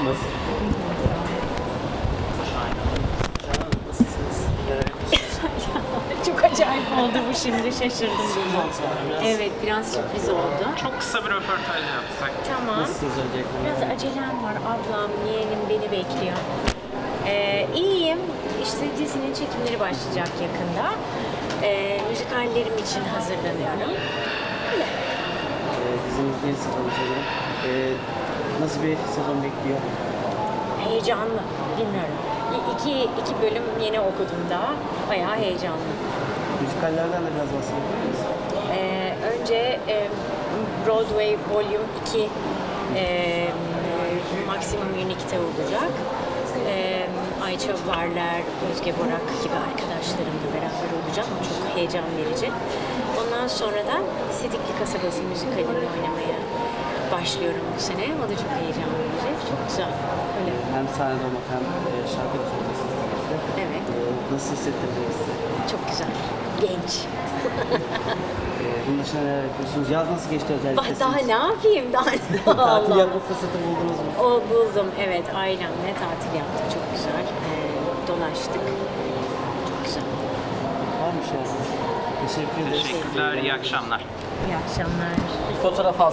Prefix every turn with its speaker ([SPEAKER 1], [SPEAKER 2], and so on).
[SPEAKER 1] Nasılsınız? Nasılsınız?
[SPEAKER 2] Çok acayip oldu bu şimdi, şaşırdım. Evet, biraz sürpriz oldu.
[SPEAKER 3] Çok kısa bir röportaj yapsak.
[SPEAKER 2] Tamam.
[SPEAKER 1] Nasılsınız öncelikle?
[SPEAKER 2] Biraz acelem var, ablam, yeğenim beni bekliyor. İyiyim, işte dizinin çekimleri başlayacak yakında. Müzikallerim için hazırlanıyorum.
[SPEAKER 1] Dizinin yeni sezonu sanırım. Nasıl bir sezon bekliyor?
[SPEAKER 2] Heyecanlı, bilmiyorum. İki bölüm yeni okudum daha, bayağı heyecanlı.
[SPEAKER 1] Müzikallerden de biraz bahsedebilir miyiz?
[SPEAKER 2] Önce Broadway Volume 2 Maximum Unique'te olacak. Ayça Varlar, Özge Borak gibi arkadaşlarımla beraber olacağım. O çok heyecan verici. Ondan sonra da Sidikli Kasabası müzikalini oynamaya başlıyorum bu sene. O da çok heyecan verici. Çok güzel. Öyle.
[SPEAKER 1] Hem sahnede olmak hem şarkı da söylüyorsunuz tabii ki.
[SPEAKER 2] Evet.
[SPEAKER 1] Nasıl hissettirdiniz size?
[SPEAKER 2] Çok güzel. Genç.
[SPEAKER 1] Bunun dışında neler yapıyorsunuz? Yaz nasıl geçti özellikle?
[SPEAKER 2] Daha
[SPEAKER 1] siz?
[SPEAKER 2] ne yapayım?
[SPEAKER 1] Tatil yapma fırsatı buldunuz mu?
[SPEAKER 2] O buldum, evet. Ailemle tatil yaptık. Çok güzel. Dolaştık. Çok güzel.
[SPEAKER 1] Var mı şey? Teşekkür ederiz.
[SPEAKER 3] Teşekkürler, iyi akşamlar.
[SPEAKER 2] İyi akşamlar.
[SPEAKER 1] Bir fotoğraf alsın.